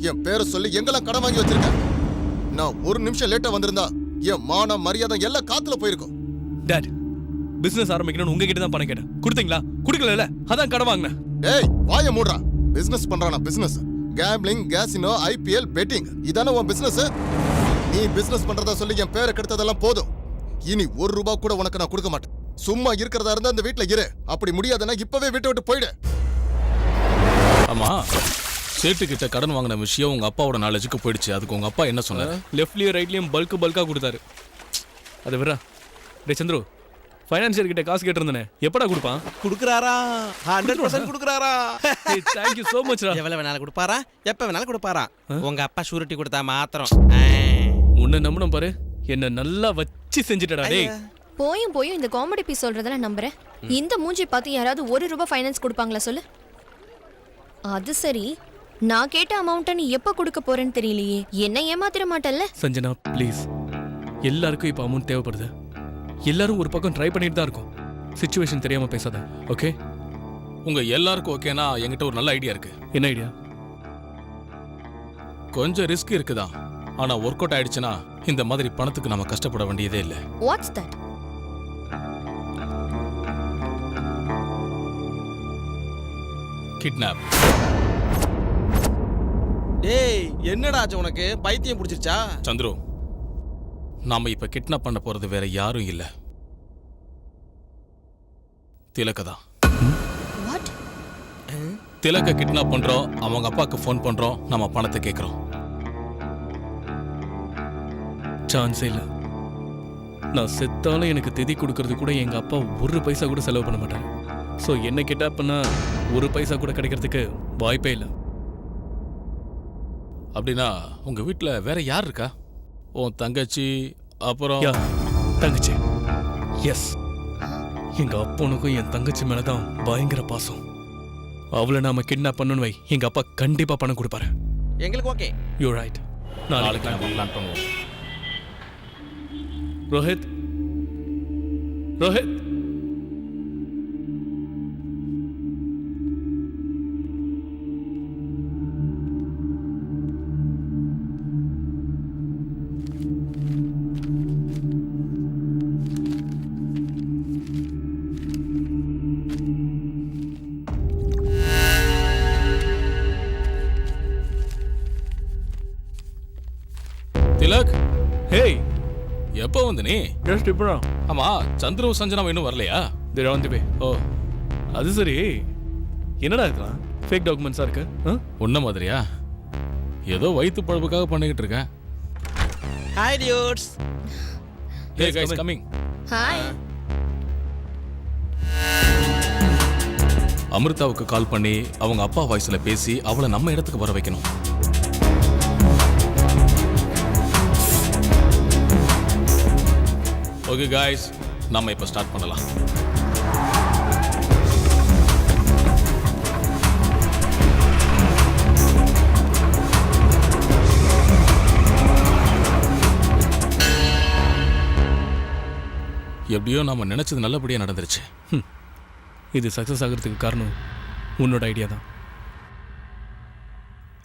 என் பேரை சொல்லி எங்கெல்லாம் கடன் வாங்கி வச்சிருக்க? நான் ஒரு நிமிஷம் லேட்டா வந்திருந்தா என் மான மரியாதை எல்லாம் காத்துல போயிருக்கும். டாட், பிசினஸ் ஆரம்பிக்கணும்னு உங்ககிட்ட தான் பணம் கேட்டேன். கொடுத்தீங்களா? கொடுக்கல, அதான் கடன் வாங்கினேன். டேய் வாய மூடுறா. பிசினஸ் பண்றானா? Business gambling, casino, IPL, betting, இதானே உன் பிசினஸ்? நீ பிசினஸ் பண்றதா சொல்லி என் பேரை கெடுத்ததெல்லாம் போதும். இனி ₹1 கூட உனக்கு நான் கொடுக்க மாட்டேன். சும்மா இருக்கிறதா இருந்தா அந்த வீட்டுல இரு. அப்படி முடியாதுன்னா இப்பவே வீட்டை விட்டு போயிடு. ஆமா, சேட்டு கிட்ட கடன் வாங்கின விஷயம் உங்க அப்பாவோட நாலேஜுக்கு போயிடுச்சு. அதுக்கு உங்க அப்பா என்ன சொன்னாரு? லெஃப்ட்லயும் ரைட்லயும் பல்கா கொடுத்தாரு. அது விரா. டே சந்துரு, ஃபைனான்சியர் கிட்ட காசு கேட்டிருந்தனே, எப்படா கொடுப்பான்? குடுக்குறாரா? 100% குடுக்குறாரா? தேங்க் யூ so much ரா. எவ்வளவு வேணாலும் கொடுப்பாரா? எப்ப வேணாலும் கொடுப்பாரா? உங்க அப்பா ஷூரிட்டி கொடுத்தா மாத்திரம். உன்னை நம்பணும் பாரு. என்ன நல்லா வச்சு செஞ்சுட்டடா டேய். போயும் இந்த காமெடி பீஸ் சொல்றதெல்லாம் நம்புறேன். இந்த மூஞ்சி பார்த்து யாராவது ₹1 ஃபைனான்ஸ் கொடுப்பாங்களா சொல்லு? அது சரி, நான் கேட்ட அமௌண்ட்டை நீ எப்ப கொடுக்க போறேன்னு தெரியலையே. என்ன ஏமாத்திர மாட்டல்ல? சஞ்சனா ப்ளீஸ், எல்லாருக்கும் இப்போ அமௌண்ட் தேவைப்படுது. எல்லாரும் ஒரு பக்கம் ட்ரை பண்ணிட்டு தான் இருக்கும். சிச்சுவேஷன் தெரியாம பேசாத, ஓகே? உங்க எல்லாருக்கும் ஓகேனா என்கிட்ட ஒரு நல்ல ஐடியா இருக்கு. என்ன ஐடியா? கொஞ்சம் ரிஸ்க் இருக்குதான், ஆனா ஒர்க் அவுட் ஆயிடுச்சுன்னா இந்த மாதிரி பணத்துக்கு நம்ம கஷ்டப்பட வேண்டியதே இல்லை. What's that? கிட்னாப். டேய் என்னடா ஆச்சு உனக்கு? பைத்தியம் பிடிச்சிருச்சா? சந்துரு, நாம இப்ப கிட்னாப் பண்ண போறது வேற யாரும் இல்ல, திலக்க தான். வாட்? திலக்க கிட்னாப் பண்றோம், அவங்க அப்பாக்கு ஃபோன் பண்றோம், நம்ம பணத்தை கேட்கறோம். சான்ஸே இல்லை. நான் செத்தாலும் எனக்கு திதி கொடுக்கறது கூட எங்க அப்பா ₹1 கூட செலவு பண்ண மாட்டாரு. ஸோ என்ன கிட்ட பண்ணா ₹1 கூட கிடைக்கிறதுக்கு வாய்ப்பே இல்லை. அப்படின்னா உங்க வீட்டுல வேற யார் இருக்கா? உன் தங்கச்சி, அப்புறம் யா தங்கச்சி. எஸ், எங்க அப்பனுக்கும் என் தங்கச்சி மேலதான் பயங்கர பாசம். அவளை நாம கிட்னாப் பண்ணணும் வை, எங்க அப்பா கண்டிப்பா பணம் கொடுப்பாரு. எங்களுக்கு ஓகே. You right. நாளைக்கு நம்ம பிளான் பண்ணுவோம். ரோஹித், ரோஹித், திலக், ஹேய், எப்போ வந்து நீ? ஜஸ்ட் இப்போ. ஆமா, சந்துரு சஞ்சனா இன்னும் வரலையா? தேர் ஆன் தி வே. ஓ, அது சரி, என்னடா இதெல்லாம் ஃபேக் டாக்குமெண்ட்ஸா இருக்கு? உன்ன மாதிரியா? ஏதோ வயிற்று பழப்புக்காக பண்ணிக்கிட்டு இருக்கேன். Hi dudes. Hey guys, coming. Hi. அமிர்தாவுக்கு கால் பண்ணி அவங்க அப்பா வாய்ஸ்ல பேசி அவளை நம்ம இடத்துக்கு வர வைக்கணும். ஓகே guys, நாம இப்ப ஸ்டார்ட் பண்ணலாம். எப்படியோ நாம நினைச்சது நல்லபடியா நடந்துருச்சு. இது சக்சஸ் ஆகிறதுக்கு காரணம் உன்னோட ஐடியா தான்.